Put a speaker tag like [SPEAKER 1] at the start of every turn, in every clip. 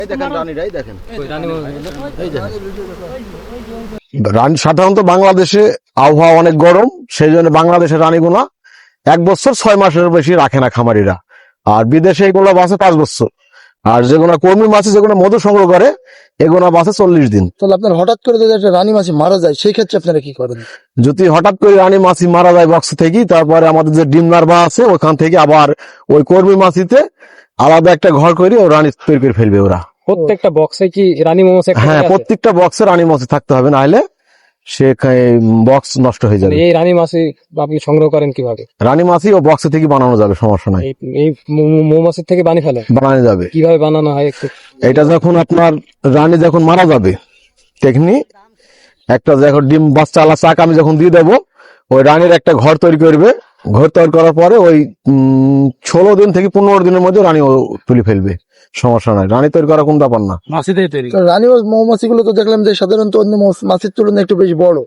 [SPEAKER 1] সাধারণত বাংলাদেশে আবহাওয়া অনেক গরম, সেই জন্য বাংলাদেশের রানীগুলা 1 বছর 6 মাসের বেশি রাখে না খামারিরা। আর বিদেশে এগুলো বাঁচে 5 বছর। আর যেগুলো কর্মী মাছ যেগুলো মধু সংগ্রহ করে এগুলো বাঁচে 40 দিন।
[SPEAKER 2] তাহলে আপনার হঠাৎ করে যদি একটা রানী মাছি মারা যায় সেই ক্ষেত্রে আপনারা কি করেন?
[SPEAKER 1] যদি হঠাৎ করে রানী মাছি মারা যায় বক্স থেকে, তারপরে আমাদের যে ডিম নার্ভা আছে ওখান থেকে আবার ওই কর্মী মাছিতে আলাদা একটা ঘর করে ও রানী তৈরি করে ফেলবে ওরা।
[SPEAKER 3] প্রত্যেকটা বক্সে কি রানী মৌমাছি?
[SPEAKER 1] হ্যাঁ, প্রত্যেকটা বক্সে রানী মাছি থাকতে হবে, নাহলে সে বক্স নষ্ট হয়ে যাবে।
[SPEAKER 3] এই রানী মাছি আপনি সংগ্রহ করেন কিভাবে?
[SPEAKER 1] রানী মাছি ও বক্স থেকে বানানো যাবে, সমস্যা নাই।
[SPEAKER 3] এই মৌমাছির থেকে বানিয়ে ফেলেন?
[SPEAKER 1] বানানো যাবে।
[SPEAKER 3] কিভাবে বানানো হয় একটু?
[SPEAKER 1] এটা যখন আপনার রানী যখন মারা যাবে টেকনিক একটা যখন ডিম বাচ্চা আলা চাক আমি যখন দিয়ে দেবো, ওই রানীর একটা ঘর তৈরি করবে। ঘর তৈরি করার পরে ওই 16 দিন থেকে 15 দিনের মধ্যে রানী তুলে ফেলবে, সমস্যা নাই। রানী তৈরি করা কোন ব্যাপার না।
[SPEAKER 2] রানী মৌমাছি গুলো তো দেখলাম যে সাধারণত অন্য মাছির তুলনায় একটু বেশি বড়।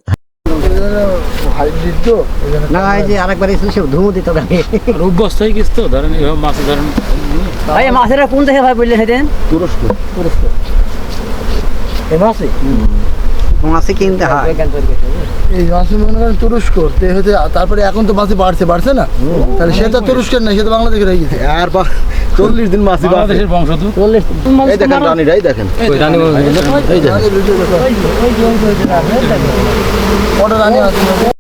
[SPEAKER 4] না এই যে আরেকবার এসে সব ধুমু দিত গায়ে
[SPEAKER 5] অভ্যস্ত হয়ে গেছে তো, ধরেন এভাবে মাছ ধরেন।
[SPEAKER 4] ভাই মাছেরা কোন দেশে ভাই বললে সেদিন?
[SPEAKER 1] তুরস্ক।
[SPEAKER 4] এই মাছে মাছে কিনতে হয়
[SPEAKER 2] এই মাছি মনে করেন তুরস্ক হতে, তারপরে এখন তো মাছি বাড়ছে না, তাহলে সে তো তুরস্কের না, সে তো বাংলাদেশের হয়ে গেছে।
[SPEAKER 1] আর 40 দিন মাছি
[SPEAKER 5] বাংলাদেশের বংশধর।
[SPEAKER 1] এই দেখেন রানীরাই দেখেন।
[SPEAKER 2] ওটা রানী আছে।